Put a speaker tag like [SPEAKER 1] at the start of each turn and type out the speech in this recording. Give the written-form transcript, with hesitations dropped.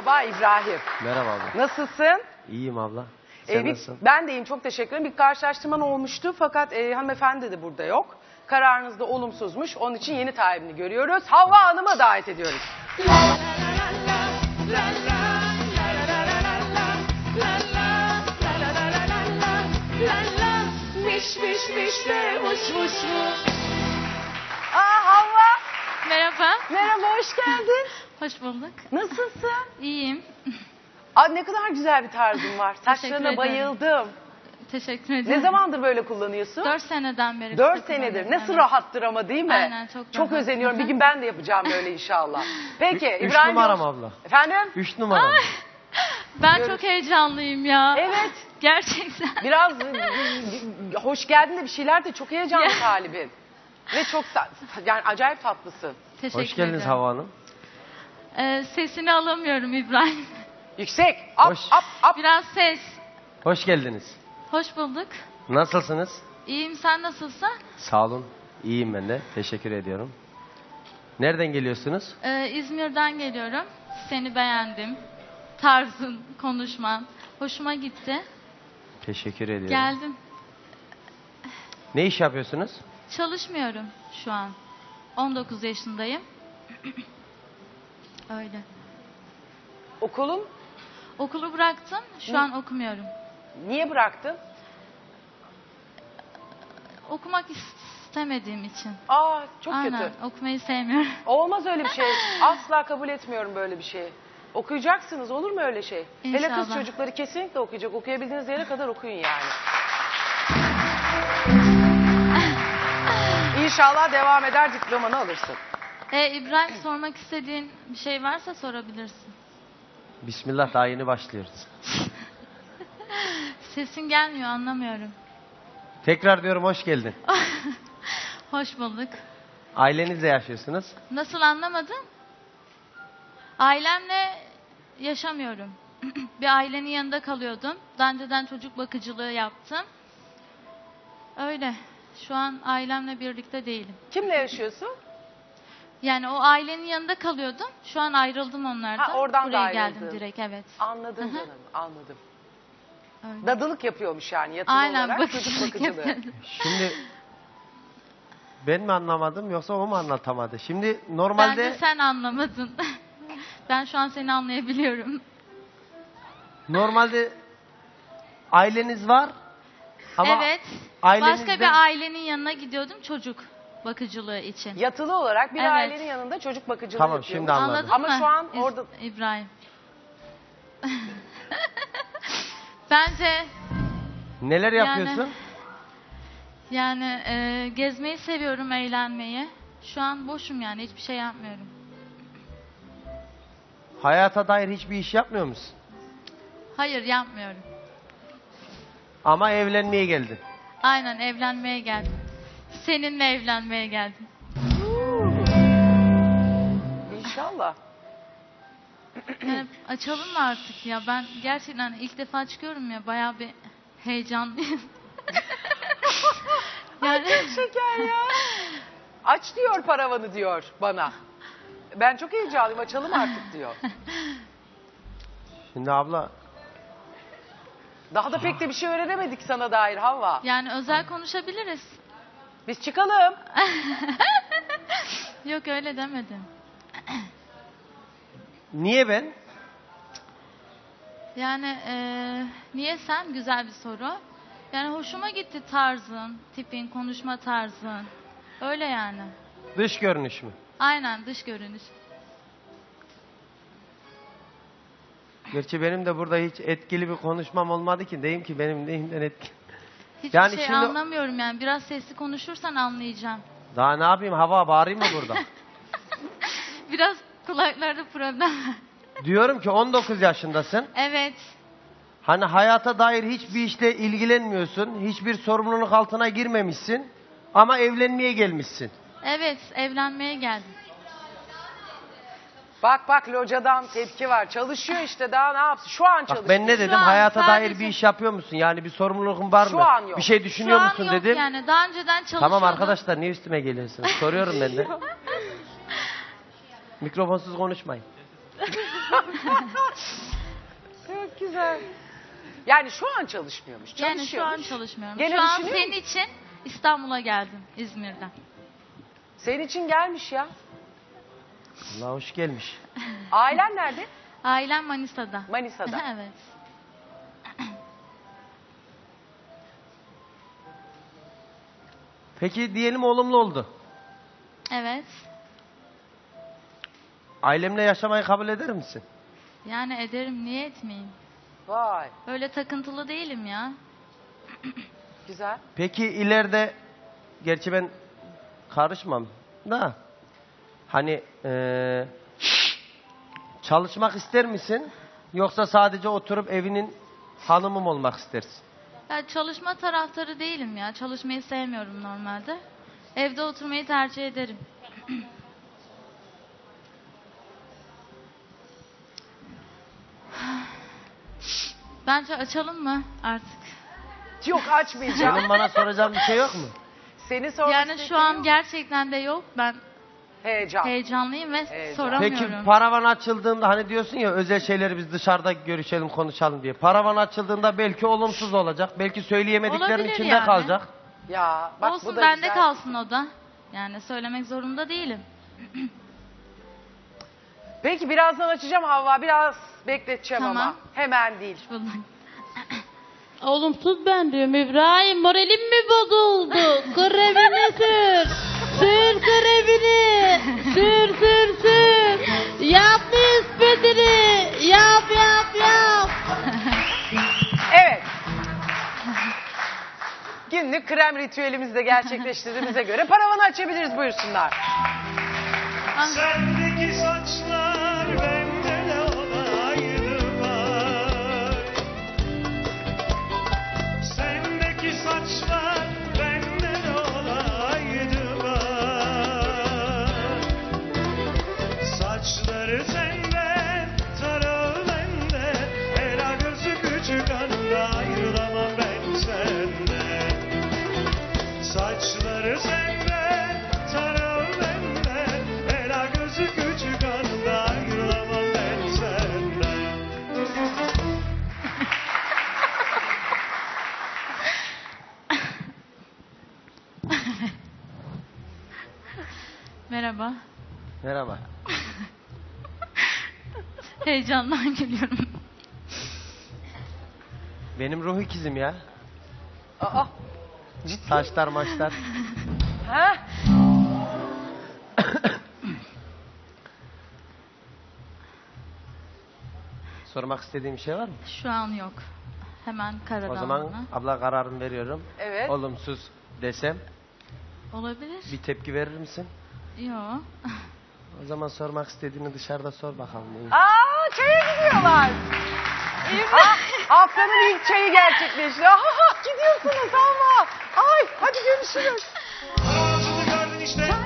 [SPEAKER 1] Merhaba İbrahim.
[SPEAKER 2] Merhaba abla.
[SPEAKER 1] Nasılsın?
[SPEAKER 2] İyiyim abla. Sen nasılsın?
[SPEAKER 1] Ben de iyiyim, çok teşekkür ederim. Bir karşılaştırman olmuştu fakat hanımefendi de burada yok. Kararınız da olumsuzmuş. Onun için yeni talibini görüyoruz. Havva Hanım'a davet ediyoruz. Aa Havva.
[SPEAKER 3] Merhaba.
[SPEAKER 1] Merhaba, hoş geldin.
[SPEAKER 3] Hoş bulduk.
[SPEAKER 1] Nasılsın?
[SPEAKER 3] İyiyim.
[SPEAKER 1] Aa, ne kadar güzel bir tarzın var. Saçlarına
[SPEAKER 3] ederim.
[SPEAKER 1] bayıldım.
[SPEAKER 3] Teşekkür ederim.
[SPEAKER 1] Ne zamandır böyle kullanıyorsun?
[SPEAKER 3] 4 seneden beri.
[SPEAKER 1] 4 senedir. Nasıl
[SPEAKER 3] Evet.
[SPEAKER 1] rahattır ama, değil mi?
[SPEAKER 3] Aynen, çok rahat.
[SPEAKER 1] özeniyorum. Bir gün ben de yapacağım böyle inşallah. Peki
[SPEAKER 2] Üç
[SPEAKER 1] İbrahim
[SPEAKER 2] numaram
[SPEAKER 1] Yavuz-
[SPEAKER 2] abla.
[SPEAKER 1] Efendim?
[SPEAKER 2] 3 numaram.
[SPEAKER 3] Ben çok heyecanlıyım ya.
[SPEAKER 1] Evet.
[SPEAKER 3] Gerçekten.
[SPEAKER 1] Biraz hoş geldin de bir şeyler de çok heyecanlı talibin. Ve çok yani acayip tatlısın.
[SPEAKER 3] Teşekkür
[SPEAKER 2] Hoş geldiniz
[SPEAKER 3] ederim.
[SPEAKER 2] Havva Hanım.
[SPEAKER 3] Sesini alamıyorum İbrahim.
[SPEAKER 1] Yüksek. Up,
[SPEAKER 2] Hoş.
[SPEAKER 1] up.
[SPEAKER 3] Biraz ses.
[SPEAKER 2] Hoş geldiniz.
[SPEAKER 3] Hoş bulduk.
[SPEAKER 2] Nasılsınız?
[SPEAKER 3] İyiyim, sen nasılsın?
[SPEAKER 2] Sağ olun. İyiyim ben de. Teşekkür ediyorum. Nereden geliyorsunuz?
[SPEAKER 3] İzmir'den geliyorum. Seni beğendim. Tarzın, konuşman. Hoşuma gitti.
[SPEAKER 2] Teşekkür ediyorum.
[SPEAKER 3] Geldim.
[SPEAKER 2] Ne iş yapıyorsunuz?
[SPEAKER 3] Çalışmıyorum şu an. 19 yaşındayım. Öyle.
[SPEAKER 1] Okulun
[SPEAKER 3] Okulu bıraktım. Şu an okumuyorum.
[SPEAKER 1] niye bıraktın?
[SPEAKER 3] Okumak istemediğim için.
[SPEAKER 1] Aa, çok
[SPEAKER 3] Aynen.
[SPEAKER 1] kötü.
[SPEAKER 3] Okumayı sevmiyorum.
[SPEAKER 1] Olmaz öyle bir şey. Asla kabul etmiyorum böyle bir şeyi. Okuyacaksınız, olur mu öyle şey? Hele kız
[SPEAKER 3] İnşallah.
[SPEAKER 1] çocukları kesinlikle okuyacak. Okuyabildiğiniz yere kadar okuyun yani. İnşallah devam eder, diplomanı alırsın.
[SPEAKER 3] İbrahim, sormak istediğin bir şey varsa sorabilirsin.
[SPEAKER 2] Bismillah, daha yeni başlıyoruz.
[SPEAKER 3] Sesin gelmiyor, anlamıyorum.
[SPEAKER 2] Tekrar diyorum, hoş geldin.
[SPEAKER 3] Hoş bulduk.
[SPEAKER 2] Ailenizle yaşıyorsunuz.
[SPEAKER 3] Nasıl, anlamadın? Ailemle yaşamıyorum. Bir ailenin yanında kalıyordum. Daha önceden çocuk bakıcılığı yaptım. Öyle. Şu an ailemle birlikte değilim.
[SPEAKER 1] Kimle yaşıyorsun?
[SPEAKER 3] Yani o ailenin yanında kalıyordum. Şu an ayrıldım onlardan.
[SPEAKER 1] Ha, oradan da
[SPEAKER 3] Buraya
[SPEAKER 1] ayrıldın.
[SPEAKER 3] geldim direkt, evet.
[SPEAKER 1] Anladım canım, anladım.
[SPEAKER 3] Öyle.
[SPEAKER 1] Dadılık yapıyormuş yani, yatılı
[SPEAKER 3] Aynen,
[SPEAKER 1] olarak çocuk
[SPEAKER 3] bakıcılık
[SPEAKER 1] bakıcılığı.
[SPEAKER 3] yapıyorum.
[SPEAKER 2] Şimdi ben mi anlamadım yoksa o mu anlatamadı? Şimdi
[SPEAKER 3] Bence
[SPEAKER 2] normalde
[SPEAKER 3] sen anlamadın. Ben şu an seni anlayabiliyorum.
[SPEAKER 2] aileniz var ama
[SPEAKER 3] Evet.
[SPEAKER 2] ailenizden...
[SPEAKER 3] Başka bir ailenin yanına gidiyordum çocuk bakıcılığı için.
[SPEAKER 1] Yatılı olarak bir
[SPEAKER 3] Evet.
[SPEAKER 1] ailenin yanında çocuk bakıcılığı
[SPEAKER 2] Tamam,
[SPEAKER 1] yapıyormuş.
[SPEAKER 2] şimdi anladım.
[SPEAKER 3] Anladın
[SPEAKER 1] Ama
[SPEAKER 3] mı?
[SPEAKER 1] şu an orada...
[SPEAKER 3] İbrahim. Bence
[SPEAKER 2] Neler yapıyorsun?
[SPEAKER 3] yani gezmeyi seviyorum, eğlenmeyi. Şu an boşum yani, hiçbir şey yapmıyorum.
[SPEAKER 2] Hayata dair hiçbir iş yapmıyor musun?
[SPEAKER 3] Hayır, yapmıyorum.
[SPEAKER 2] Ama evlenmeye geldin.
[SPEAKER 3] Aynen, evlenmeye geldim. Seninle evlenmeye geldim.
[SPEAKER 1] İnşallah.
[SPEAKER 3] Yani açalım mı artık ya? Ben gerçekten ilk defa çıkıyorum ya, bayağı bir heyecanlıyım. Yani
[SPEAKER 1] Şeker ya. Aç diyor paravanı diyor bana. Ben çok heyecanlıyım, açalım artık diyor.
[SPEAKER 2] Şimdi abla
[SPEAKER 1] Daha da pek de bir şey öğrenemedik sana dair Havva.
[SPEAKER 3] yani özel konuşabiliriz.
[SPEAKER 1] Biz çıkalım.
[SPEAKER 3] Yok, öyle demedim.
[SPEAKER 2] niye ben?
[SPEAKER 3] Yani niye sen? Güzel bir soru. Yani hoşuma gitti tarzın, tipin, konuşma tarzın. Öyle yani.
[SPEAKER 2] Dış görünüş mü?
[SPEAKER 3] Aynen, dış görünüş.
[SPEAKER 2] Gerçi benim de burada hiç etkili bir konuşmam olmadı ki. Deyim ki benim neyimden etkili.
[SPEAKER 3] Hiçbir
[SPEAKER 2] Yani
[SPEAKER 3] şey
[SPEAKER 2] şimdi-
[SPEAKER 3] anlamıyorum yani. Biraz sesli konuşursan anlayacağım.
[SPEAKER 2] Daha ne yapayım, hava bağırayım mı burada?
[SPEAKER 3] Biraz kulaklarda problem var.
[SPEAKER 2] Diyorum ki 19 yaşındasın.
[SPEAKER 3] Evet.
[SPEAKER 2] Hani hayata dair hiçbir işle ilgilenmiyorsun. Hiçbir sorumluluk altına girmemişsin. Ama evlenmeye gelmişsin.
[SPEAKER 3] Evet, evlenmeye geldim.
[SPEAKER 1] Bak locadan tepki var. Çalışıyor işte, daha ne yapsın? Şu an çalışıyor.
[SPEAKER 2] Bak ben ne dedim?
[SPEAKER 3] an
[SPEAKER 2] Hayata dair
[SPEAKER 3] sadece-
[SPEAKER 2] bir iş yapıyor musun? Yani bir sorumluluğun var
[SPEAKER 1] Şu
[SPEAKER 2] mı?
[SPEAKER 1] an yok.
[SPEAKER 2] Bir şey düşünüyor
[SPEAKER 3] Şu an
[SPEAKER 2] musun
[SPEAKER 3] yok
[SPEAKER 2] dedim.
[SPEAKER 3] yani. Daha önceden çalışıyordum.
[SPEAKER 2] Tamam arkadaşlar, niye üstüme geliyorsunuz? Soruyorum ben de. Mikrofonsuz konuşmayın.
[SPEAKER 1] Çok güzel. Yani şu an çalışmıyormuş.
[SPEAKER 3] Yani şu an
[SPEAKER 1] Çalışıyormuş.
[SPEAKER 3] çalışmıyorum.
[SPEAKER 1] Gene
[SPEAKER 3] Şu an
[SPEAKER 1] düşünüyor
[SPEAKER 3] senin
[SPEAKER 1] musun?
[SPEAKER 3] için İstanbul'a geldim İzmir'den.
[SPEAKER 1] Senin için gelmiş ya.
[SPEAKER 2] Allah hoş gelmiş.
[SPEAKER 1] Ailen nerede?
[SPEAKER 3] Ailem Manisa'da.
[SPEAKER 1] Manisa'da.
[SPEAKER 3] Evet.
[SPEAKER 2] Peki diyelim olumlu oldu.
[SPEAKER 3] Evet.
[SPEAKER 2] Ailemle yaşamayı kabul eder misin?
[SPEAKER 3] Yani ederim, niye etmeyeyim?
[SPEAKER 1] Vay.
[SPEAKER 3] Öyle takıntılı değilim ya.
[SPEAKER 1] Güzel.
[SPEAKER 2] Peki ileride, gerçi ben karışmam da, hani çalışmak ister misin? Yoksa sadece oturup evinin hanımı mı olmak istersin?
[SPEAKER 3] Ya çalışma taraftarı değilim ya. Çalışmayı sevmiyorum normalde. Evde oturmayı tercih ederim. Bence açalım mı artık?
[SPEAKER 1] Yok açmayacağım.
[SPEAKER 2] Senin bana soracağın bir şey yok mu?
[SPEAKER 1] Seni sormak
[SPEAKER 3] Yani şu
[SPEAKER 1] istediğim
[SPEAKER 3] an
[SPEAKER 1] yok.
[SPEAKER 3] gerçekten de yok. Ben
[SPEAKER 1] Heyecan.
[SPEAKER 3] heyecanlıyım ve
[SPEAKER 1] Heyecan.
[SPEAKER 3] soramıyorum.
[SPEAKER 2] Peki paravan açıldığında, hani diyorsun ya özel şeyleri biz dışarıda görüşelim, konuşalım diye. Paravan açıldığında belki olumsuz olacak. Belki söyleyemediklerin
[SPEAKER 3] Olabilir
[SPEAKER 2] içinde
[SPEAKER 3] yani.
[SPEAKER 2] kalacak.
[SPEAKER 1] Ya bak bu
[SPEAKER 3] Olsun,
[SPEAKER 1] da
[SPEAKER 3] bende
[SPEAKER 1] güzel.
[SPEAKER 3] kalsın o da. Yani söylemek zorunda değilim.
[SPEAKER 1] Peki birazdan açacağım Havva. Biraz bekleteceğim
[SPEAKER 3] Tamam.
[SPEAKER 1] ama. Hemen değil.
[SPEAKER 3] Bunun-
[SPEAKER 4] Olumsuz ben diyorum. İbrahim moralim mi bozuldu? Kremini sür. Sür kremini. Sür sür sür. Yap nispetini. Yap yap yap.
[SPEAKER 1] Evet. Günlük krem ritüelimizi de gerçekleştirdiğimize göre paravanı açabiliriz, buyursunlar.
[SPEAKER 5] Sendeki saçlar bende de olaydı var. Sendeki saçlar bende de olaydı var. Saçları senden, tarağı bende. Ela gözü küçük anda ayrılamam ben senden. Saçları senden, tarağı benden. Ela gözü küçük anda ayrılamam ben senden.
[SPEAKER 3] Merhaba.
[SPEAKER 2] Merhaba.
[SPEAKER 3] Heyecandan gülüyorum.
[SPEAKER 2] Benim ruh ikizim ya.
[SPEAKER 1] Aa.
[SPEAKER 2] Saçlar maçlar.
[SPEAKER 1] Ha?
[SPEAKER 2] Sormak istediğim bir şey var mı?
[SPEAKER 3] Şu an yok. Hemen karadan.
[SPEAKER 2] O zaman
[SPEAKER 3] bana.
[SPEAKER 2] abla kararını veriyorum.
[SPEAKER 1] Evet.
[SPEAKER 2] Olumsuz desem
[SPEAKER 3] Olabilir.
[SPEAKER 2] bir tepki verir misin?
[SPEAKER 3] Yok.
[SPEAKER 2] O zaman sormak istediğini dışarıda sor bakalım.
[SPEAKER 1] Aa, çaya gidiyorlar. Ha, haftanın ilk çayı gerçekleşti. Gidiyorsunuz ama. Ay, hadi görüşürüz.
[SPEAKER 5] Ağzını gördün işte.